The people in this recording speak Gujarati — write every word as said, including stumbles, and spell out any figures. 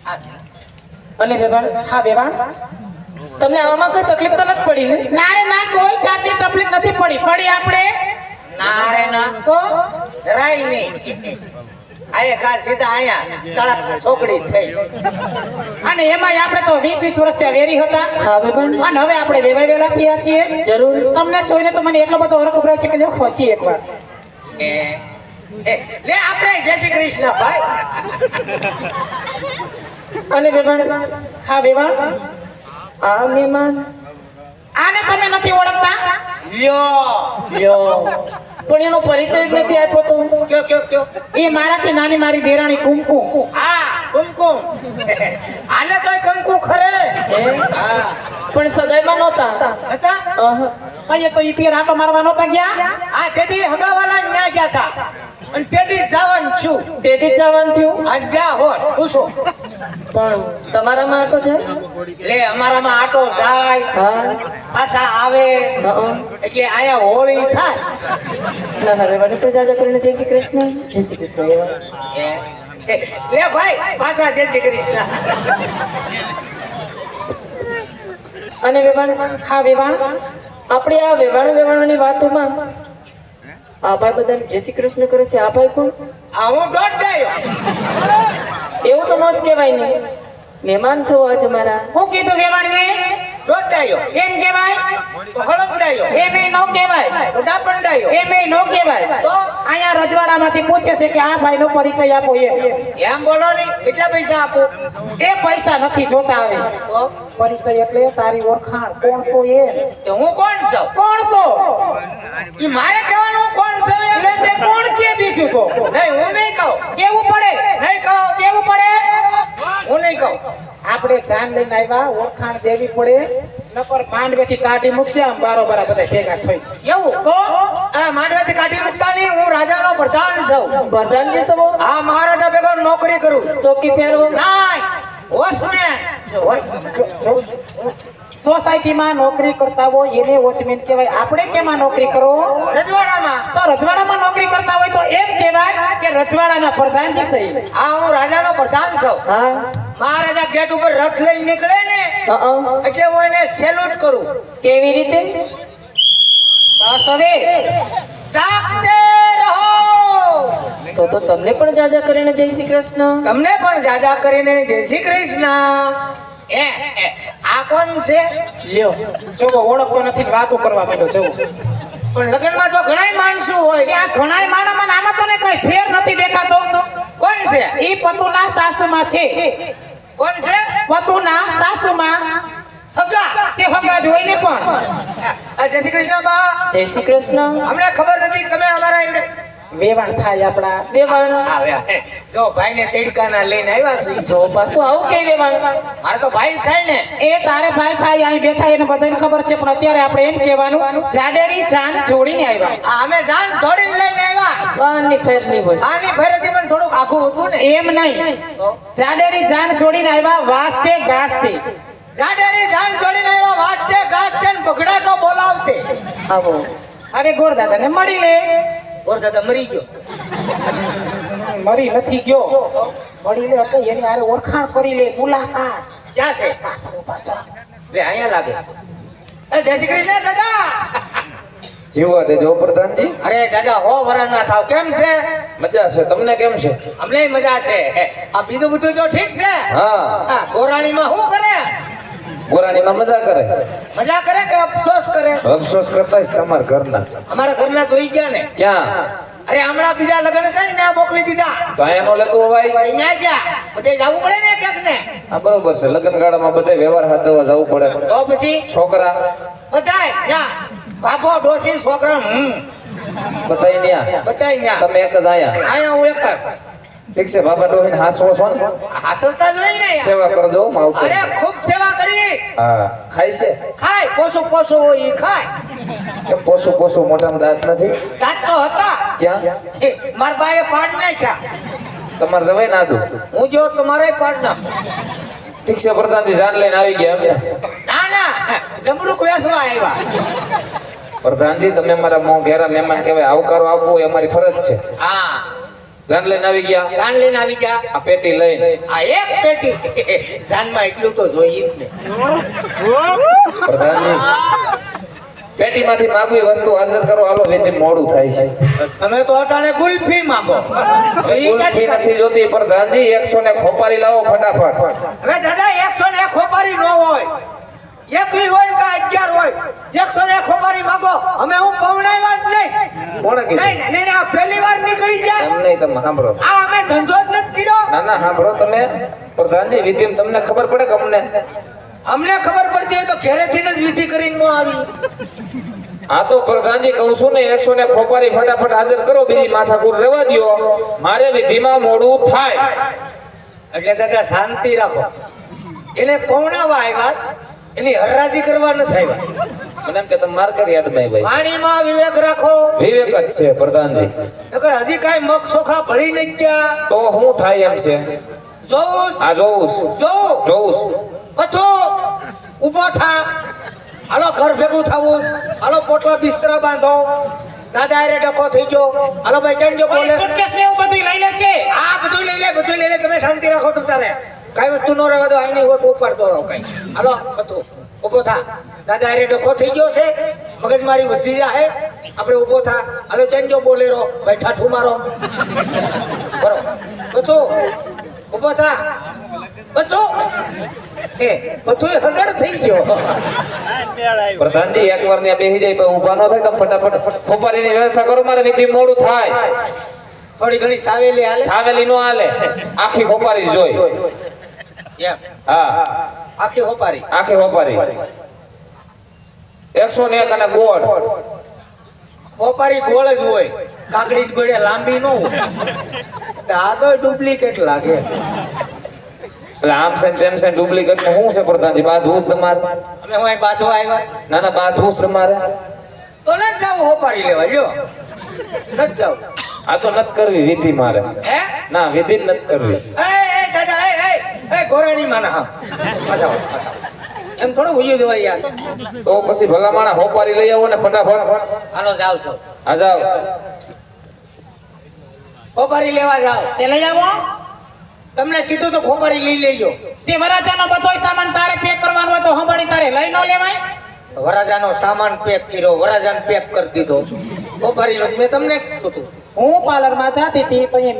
અને વેવાણ હા વેવાણ તમને આમાં કોઈ તકલીફ તો નથી પડી ને? ના રે ના કોઈ જાતની તકલીફ નથી પડી પડી આપણે ના રે ના તો જરાય નહીં આયે કા સીધા આયા તળાક છોકડી થઈ અને એમાં આપણે તો વીસ વીસ વર્ષ ત્યાં વેરી હતા હા વેવાણ અને હવે આપણે વેવાય વેલા થયા છીએ જરૂર તમને જોઈને તો મને એટલો બધો હરખ ઉભરાય છે કે લ્યો પહોંચી એકવાર એ એ, લે આપણે જય શ્રી કૃષ્ણ ભાઈ અને વેવાણ હા વેવાણ આ મહેમાન આને તમે નથી ઓળખતા લ્યો લ્યો પણ એનો પરિચય જ નથી આપ્યો તો કયો કયો કયો એ મારાથી નાની મારી દેરાણી કુમકુમ હા કુમકુમ આલે તોય કંકુ ખરે હે? હા પણ સગાઈમાં નહોતા હતા અહ. અહીંયા તો ઈ પીર આટો મારવા નહોતા ગયા આ તેદી હગાવાલા ન્યા ગયા હતા અને તેદી જવાન છું તેથી જ જવાનું થયું આ ગયા હોત પૂછો પણ તમારામાં આટો જાય લે અમારામાં આટો જાય હા પાછા આવે હા એટલે આયા હોળી થાય ના ના વેવાણ પણ જાજા કરીને જય શ્રી કૃષ્ણ જય શ્રી કૃષ્ણ વેવાણ એ, એ, લે ભાઈ પાછા જય શ્રી કૃષ્ણ અને વેવાણ હા વેવાણ આપણે આ વેવાણ વેવાણની વાતોમાં આ ભાઈ બધાને જય શ્રી કૃષ્ણ કરે છે આ ભાઈ કોણ? આ હું દોઢ ગયો એવું તો ન જ કહેવાય ને મહેમાન છો આજ અમારા હું કીધું વેવાણ ને દોઢ ગયો કેમ કહેવાય તો હળપડાયો એમ એ નો કહેવાય તો દાપંડાયો એમ એ નો કહેવાય તો અહીંયા રજવાડામાંથી પૂછે છે કે આ ભાઈનો પરિચય આપો એમ એમ બોલો ની કેટલા પૈસા આપું એ પૈસા નથી જોતા હવે તો પરિચય એટલે તારી ઓળખાણ કોણ છો એ તે હું કોણ છું કોણ છો ઈ મારે કહેવાનું હું કોણ છું એમ? એટલે તે કોણ કે બીજું તો નહીં હું નહીં કહું કેવું પડે નહીં કહું કેવું પડે હું નહીં કહું આપણે જાન લઈને આવ્યા ઓળખાણ દેવી પડે નકર માંડવેથી કાઢી મૂકશે આમ બારોબાર બધા ભેગા થઈ એવું તો આ માંડવેથી કાઢી મૂકતા નહીં હું રાજાનો પ્રધાન છું વરદાનજી સવો આ મહારાજા ભેગો નોકરી કરું ચોકી ફેરવો નાય વોચમેન સોસાયટીમાં નોકરી કરતા હોય એને વોચમેન કહેવાય આપણે કેમાં નોકરી કરો રજવાડામાં તો રજવાડામાં નોકરી કરતા હોય તો એમ કહેવાય કે રજવાડાના પ્રધાનજી સહી આ હું રાજાનો પ્રધાન છું હા મહારાજા ગેટ ઉપર રથ લઈને નીકળે ને અ એટલે હું એને સેલ્યુટ કરું કેવી રીતે બસ હવે જાગતે રહો તો તો તમને પણ જાજા કરીને જય શ્રી કૃષ્ણ તમને પણ જાજા કરીને જય શ્રી કૃષ્ણ એ એ, આ કોણ છે લ્યો જોવો ઓળખતો નથી ને વાતો કરવા માંડ્યો જોવો પણ લગ્નમાં તો ઘણા માણસો હોય આ ઘણાય માણામાં આમાં તો ને કઈ ફેર નથી દેખાતો કોણ છે ઈ પતુના સાસુમાં છે કોણ છે પતુના સાસુમાં હગા તે હગા જોઈ ને પણ આ જય શ્રી કૃષ્ણ બા જય શ્રી કૃષ્ણ અમને ખબર નથી તમે અમારા એને વેવાણ થાય આપડા વેવાણ આવ્યા જો ભાઈને તેડકાના લઈને આવ્યા છે જો પાછું આવું કઈ વેવાણ મારે તો ભાઈ થાય ને એ તારે ભાઈ થાય અહીં બેઠા એને બધાને ખબર છે પણ અત્યારે આપણે એમ કહેવાનું જાડેરી જાન જોડીને આવ્યા આ અમે જાન દોડીને લઈને આવ્યા વાહનની ફેર નહીં હોય આની ફેરેથી પણ થોડુંક આખું હતું ને એમ નહીં તો જાડેરી જાન જોડીને આવ્યા વાસ્તે ગાસ્તે જાડેરી જાન જોડીને આવ્યા વાજતે ગાજતે ને પગડાટો બોલાવતે આવો હવે ગોરદાદાને મળી લે ઓર દાદા મરી ગયો મરી નથી ગયો મળી લે એટલે એની હારે ઓળખાણ કરી લે મુલાકાત ક્યાં છે પાછળ પાછળ લે અહીંયા લાગે એ જય શ્રી કૃષ્ણ દાદા જીવવા દેજો પ્રધાનજી. અરે દાદા હો વરણ ના થાવ કેમ છે મજા છે, તમને કેમ છે? અમને મજા છે આ બીજું બધું તો ઠીક છે હા, હા ગોરાણીમાં શું કરે ગોરાણીમાં મજા કરે, મજા કરે કે અફસોસ કરે અફસોસ કરતા જ તમારા ઘરના. અમારા ઘરના જોઈ ગયા ને ક્યાં? અરે હમણાં બીજા લગ્ન થાય ને ત્યાં મોકલી દીધા તો અહીંયા નો લેતું અવાય? અહીંયા ગયા બધે જવું પડે ને ક્યાંક ને હા બરોબર છે, લગ્ન ગાળામાં બધે વ્યવહાર સાચવવા જવું પડે. તો પછી છોકરા બધાય ત્યાં બાપો ડોસી છોકરા હમ બધાય ન્યા, બધાય ત્યાં તમે એક જ આયા. અહીંયા હું એક જ. ઠીક છે, બાબા ડોહીને હાસવો છો ને? હાસવતા જોઈ ને યાર. સેવા કરજો માવતર. અરે ખૂબ સેવા કરી હા, ખાય છે ખાય પોસું પોસું હોય ઈ ખાય કે પોસું પોસું મોઢામાં દાંત નથી? દાંત તો હતા ક્યાં? મારા બાએ પાડ નાખ્યા તમારે જવાય ના દો. હું જો તમારે પાડ ના ઠીક છે પ્રધાનજી, જાન લઈને આવી ગયા અમે. ના ના જમરૂક વેસવા આવ્યા પ્રધાનજી તમે મારા મોં ઘેરા મહેમાન કહેવાય, આવકારો આપવો એ અમારી ફરજ છે. હા જાન લઈને આવી ગયા જાન લઈને આવી જા. આ પેટી લઈને આ એક પેટી જાનમાં એટલું તો જોઈએ જ ને. પ્રધાનજી પેટીમાંથી માગવી વસ્તુ હાજર કરો હાલો વેચે મોડું થાય છે તમે તો અટાણે ગુલ્ફી માંગો. ઈ કુલ્ફી ક્યાંથી કાઢી? નથી જોતી પ્રધાનજી એકસો ને ખોપારી લાવો ફટાફટ હવે દાદા એકસો ને એક ખોપારી ન હોય, એકવી હોય કે અગિયાર હોય, એકસો ને એક ખોપારી માંગો. અમે હું પવણાવ્યા જ નહીં. કોણે નહીં કીધું નહીં, નહીં, આ પહેલી વાર નીકળી જાય. એમ નહીં તમે સાંભળો આ અમે ધંધો જ નથી કર્યો. ના ના સાંભળો તમે પ્રધાનજી વિધિમ તમને ખબર પડે કે અમને અમને ખબર પડતી હોય તો ઘરેથી જ વિધિ કરીને ન આવી. આ તો પ્રધાનજી કહું છું ને એકસો ને ખોપારી ફટાફટ હાજર કરો બીજી માથાકૂર રહેવા દ્યો મારે વિધિમાં મોડું થાય એટલે દાદા શાંતિ રાખો. એને પવણાવા આવ્યા, એની હરરાજી કરવા નથી આવ્યા. મને એમ કે તમે માર્કેટ યાર્ડમાં ભાઈ પાણીમાં વિવેક રાખો. વિવેક જ છે પ્રધાનજી નકર હજી કાંઈ મગ સોખા ભળી નહીં ગયા. તો શું થાય એમ છે જોઉં આ જોઉં છું, જોઉં જોઉં છું. પથું ઊભો થા. હાલો ઘર ભેગું થવું. હાલો પોટલા બિસ્તરા બાંધો. દાદા હારે ડકો થઈ ગયો. હાલો ભાઈ જઈને જો બોલે. સુટકેસ ને એવું બધું લઈ લે છે. આ બધું લઈ લે, બધું લઈ લે. તમે શાંતિ રાખો તમ તારે. કાંઈ વસ્તુ ન રહેવા દો. આઈ નહીં હોત ઉપાડતો રહો કાંઈ. હાલો પથું ઊભો થા. દાદા હારે ડકો થઈ ગયો છે. મગજ મારી વધી જાય. આપણે ઊભો થા. હાલો જઈને જો બોલે રહો. ભાઈ ઠાઠું મારો. બરો પથું ઊભો થા. પથું એ પથું હગડ થઈ ગયો. પ્રધાનજી એકવાર ત્યાં બેસી જાય પછી ઊભા ન થાય તમે ફટાફટ ખોપારીની વ્યવસ્થા કરો મારે વિધિ મોડું થાય થોડી ઘણી સાવેલી હાલે. છાવેલી નો હાલે આખી ખોપારી જ જોઈ એમ હા આખી હોપારી. આખી ખોપારી એકસો ને એક અને ગોળ હોપારી ગોળ જ હોય. કાકડી ગોળે લાંબી ન હોય. આ તો ડુપ્લિકેટ લાગે. એટલે આમ છે ને તેમ છે ડુપ્લિકેટ શું છે પ્રધાનજી બાંધવું જ તમારે અમે હું અહીં બાંધવા આવ્યા ના ના બાંધવું જ તમારે તો ન જાવ હોપારી લેવા. લ્યો ન જાવ. આ તો નથી કરવી વિધિ મારે હે ના વિધિ જ નથી કરવી એ એ દાદા એ એ એ ગોરાણી માના હા પાછા આવો, પાછા આવો. એમ થોડું ઉયું જવાય યાર. તો પછી ભલા માણા હોપારી લઈ આવો ને ફટાફટ હાલો જાવ છો. આ જાઓ હોપારી લેવા જાવ. તે લઈ આવો. તમને કીધું તો ખોપારી લઈ લેજો. તે વરાજાનો બધોય સામાન તારે પેક કરવાનો હોય તો હંભાળી તારે લઈ ન લેવાય. વરાજાનો સામાન પેક કર્યો, વરાજાને પેક કરી દીધો. હોપારી મેં તમને કીધું હતું. હું પાર્લરમાં જાતી હતી તો એ